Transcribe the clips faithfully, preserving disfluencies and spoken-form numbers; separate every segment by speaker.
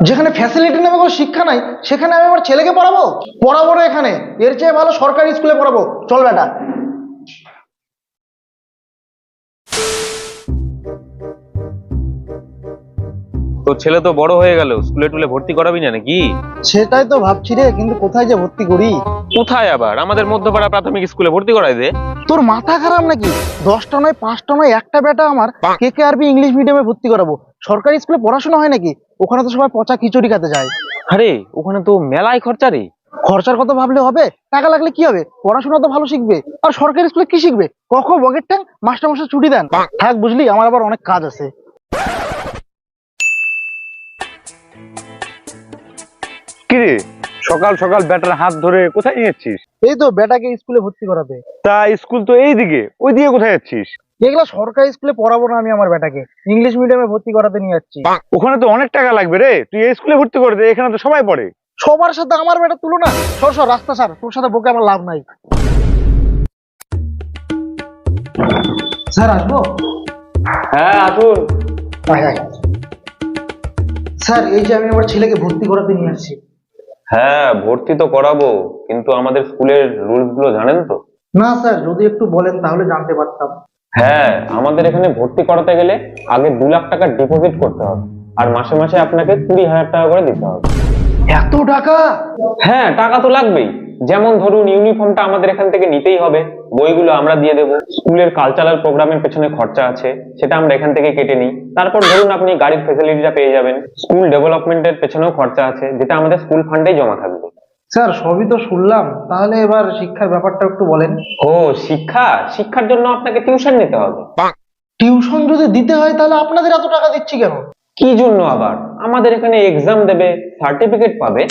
Speaker 1: যেখানে ফ্যাসিলিটি নামে কোনো শিক্ষা নাই সেখানে আমি আমার ছেলেকে পড়াবো? পড়াবো না এখানে, এর চেয়ে ভালো সরকারি স্কুলে পড়াবো। চল বেটা।
Speaker 2: তোর ছেলে তো বড় হয়ে গেল, স্কুলে টুলে ভর্তি করাবি না নাকি?
Speaker 1: সেটাই তো ভাবছি রে, কিন্তু কোথায় যে ভর্তি করি।
Speaker 2: কোথায় আবার? আমাদের মধ্যপাড়া প্রাথমিক স্কুলে ভর্তি করাই দে।
Speaker 1: তোর মাথা খারাপ নাকি? দশটা নয় পাঁচটা নয় একটা বেটা আমার কে কে আরবি ইংলিশ মিডিয়ামে ভর্তি করাবো? সরকারি স্কুলে পড়াশোনা হয় নাকি? ওখানে তো সবাই পচা খিচুড়ি খেতে যায়।
Speaker 2: আরে ওখানে তো মেলায় খরচা রে।
Speaker 1: খরচার কথা ভাবলে হবে? টাকা লাগলে কি হবে, পড়াশোনা তো ভালো শিখবে। আর সরকারি স্কুলে কি শিখবে? কখ বগের ট্যাং, মাস্টার মাস্টার ছুটি দেন। থাক বুঝলি, আমার আবার অনেক কাজ আছে।
Speaker 3: কিরে সকাল সকাল ব্যাটার হাত ধরে কোথায় নিয়ে যাচ্ছিস?
Speaker 1: এই তো বেটাকে স্কুলে ভর্তি করাবে।
Speaker 3: তা স্কুল তো এইদিকে, ওই দিকে কোথায় যাচ্ছিস?
Speaker 1: এগুলা সরকারি স্কুলে পড়াবো না আমি আমার বেটাকে, ইংলিশ মিডিয়ামে ভর্তি করাতে নিয়ে যাচ্ছি।
Speaker 3: ওখানে তো অনেক টাকা লাগবে রে, তুই এই স্কুলে ভর্তি করে দে, এখানে তো সবাই পড়ে।
Speaker 1: সবার সাথে আমার বেটা তুলো না। সর সর রাস্তা সার, তোর সাথে বকে আমার লাভ নাই। স্যার আসবো?
Speaker 2: হ্যাঁ আসুন।
Speaker 1: আয়, আয়। স্যার এই যে আমি আমার ছেলেকে ভর্তি করাতে নিয়ে আসছি।
Speaker 2: হ্যাঁ ভর্তি তো করাবো, কিন্তু আমাদের স্কুলের রুলস গুলো জানেন তো?
Speaker 1: না স্যার, যদি একটু বলেন তাহলে জানতে পারতাম।
Speaker 2: হ্যাঁ আমাদের এখানে ভর্তি করাতে গেলে আগে দু লাখ টাকা ডিপোজিট করতে হবে, আর মাসে মাসে আপনাকে কুড়ি হাজার টাকা করে দিতে হবে।
Speaker 1: এত টাকা?
Speaker 2: হ্যাঁ টাকা তো লাগবেই। যেমন ধরুন ইউনিফর্মটা আমাদের এখান থেকে নিতেই হবে, বইগুলো আমরা দিয়ে দেবো, স্কুলের কালচারাল প্রোগ্রামের পেছনে খরচা আছে সেটা আমরা এখান থেকে কেটে নিই। তারপর ধরুন আপনি গাড়ির ফেসিলিটিটা পেয়ে যাবেন, স্কুল ডেভেলপমেন্টের পেছনেও খরচা আছে যেটা আমাদের স্কুল ফান্ডেই জমা থাকবে।
Speaker 1: স্যার সবই তো শুনলাম, তাহলে এবার শিক্ষার ব্যাপারটা একটু বলেন।
Speaker 2: ও শিক্ষা, শিক্ষার জন্য আপনাকে টিউশন নিতে হবে।
Speaker 1: টিউশন যদি দিতে হয় তাহলে আপনাদের এত টাকা দিচ্ছি কেন?
Speaker 2: কি জন্য আবার? আমাদের এখানে এক্সাম দেবে, সার্টিফিকেট পাবে।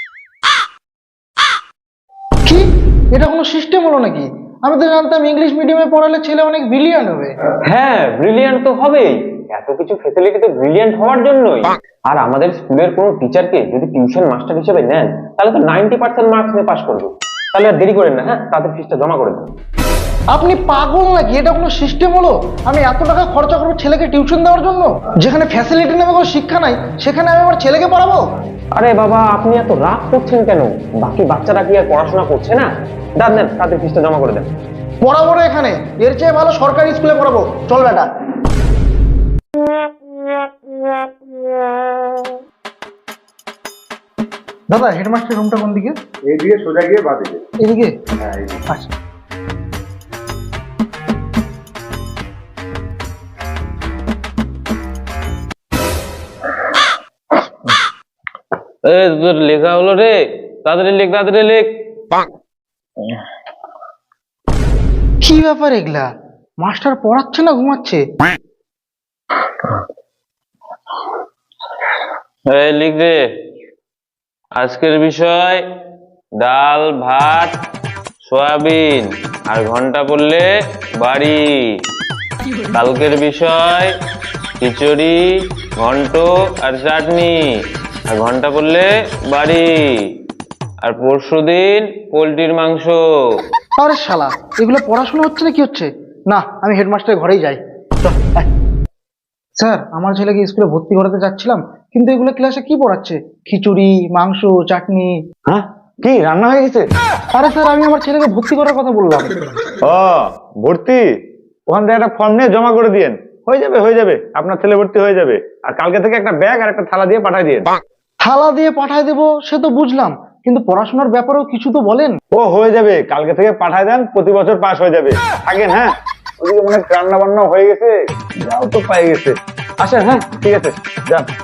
Speaker 1: কি, এটা কোনো সিস্টেম হলো নাকি? আমি তো জানতাম ইংলিশ মিডিয়ামে পড়ালে ছেলে অনেক ব্রিলিয়ান্ট হবে।
Speaker 2: হ্যাঁ ব্রিলিয়ান্ট তো হবেই, এত কিছু ফেসিলিটি তো ব্রিলিয়ান্ট হওয়ার জন্যই। আর আমাদের স্কুলের কোনো টিচারকে যদি টিউশন মাস্টার হিসেবে নেন তাহলে তো নাইনটি পার্সেন্ট মার্কস নিয়ে পাস করবে। তাহলে আর দেরি করেন না, হ্যাঁ তাদের ফিসটা জমা করে দেন।
Speaker 1: আপনি পাগল নাকি? এটা কোনো সিস্টেম হলো? আমি এত টাকা খরচা করবো ছেলেকে টিউশন দেওয়ার জন্য? যেখানে ফ্যাসিলিটি নামে কোনো শিক্ষা নাই সেখানে আমি আমার ছেলেকে পড়াবো?
Speaker 2: আরে বাবা আপনি এত রাগ করছেন কেন? বাকি বাচ্চারা কি আর পড়াশোনা করছে না? দেন দেন, তাদের ফিসটা জমা করে দেন।
Speaker 1: পড়াবো না এখানে, এর চেয়ে ভালো সরকারি স্কুলে পড়াবো। চল বেটা। দাদা হেডমাস্টার রুমটা কোন দিকে?
Speaker 3: এইদিকে সোজা গিয়ে বাদিকে।
Speaker 1: এদিকে?
Speaker 3: হ্যাঁ
Speaker 1: আচ্ছা।
Speaker 2: এ তোর লেখা হলো রে, তাড়াতাড়ি লেখ তাড়াতাড়ি লেখ।
Speaker 1: কি ব্যাপার এগুলা? মাস্টার পড়াচ্ছে না ঘুমাচ্ছে?
Speaker 2: এই লিখ দে। আজকের বিষয় ডাল ভাত সয়াবিন আর ঘন্টা পড়লে বাড়ি। কালকের বিষয় খিচুড়ি ঘন্ট আর চাটনি আর ঘন্টা পড়লে বাড়ি। আর পরশুদিন পোলট্রির মাংস।
Speaker 1: আরে শালা, এগুলো পড়াশোনা হচ্ছে না কি হচ্ছে? না, আমি হেডমাস্টারের ঘরেই যাই। চল, আয়। স্যার আমার ছেলেকে স্কুলে ভর্তি করাতে যাচ্ছিলাম, কিন্তু এগুলো ক্লাসে কি পড়াচ্ছে? খিচুড়ি মাংস চাটনি।
Speaker 3: হ্যাঁ কি রান্না হয়ে গেছে?
Speaker 1: আরে স্যার আমি আমার ছেলেকে ভর্তি করার কথা বললাম।
Speaker 3: ও ভর্তি, ওখান থেকে একটা ফর্ম নিয়ে জমা করে দিয়েন, হয়ে যাবে হয়ে যাবে, আপনার ছেলে ভর্তি হয়ে যাবে। আর কালকে থেকে একটা ব্যাগ আর একটা থালা দিয়ে পাঠিয়ে দিয়েন।
Speaker 1: থালা দিয়ে পাঠায় দেবো সে তো বুঝলাম, কিন্তু পড়াশোনার ব্যাপারেও কিছু তো বলেন।
Speaker 3: ও হয়ে যাবে, কালকে থেকে পাঠায় দেন, প্রতি বছর পাস হয়ে যাবে। থাকেন হ্যাঁ, ওদিকে মনে হয় রান্না বান্না হয়ে গেছে, যাও তো পাই গেছে। আসেন হ্যাঁ, ঠিক আছে যান।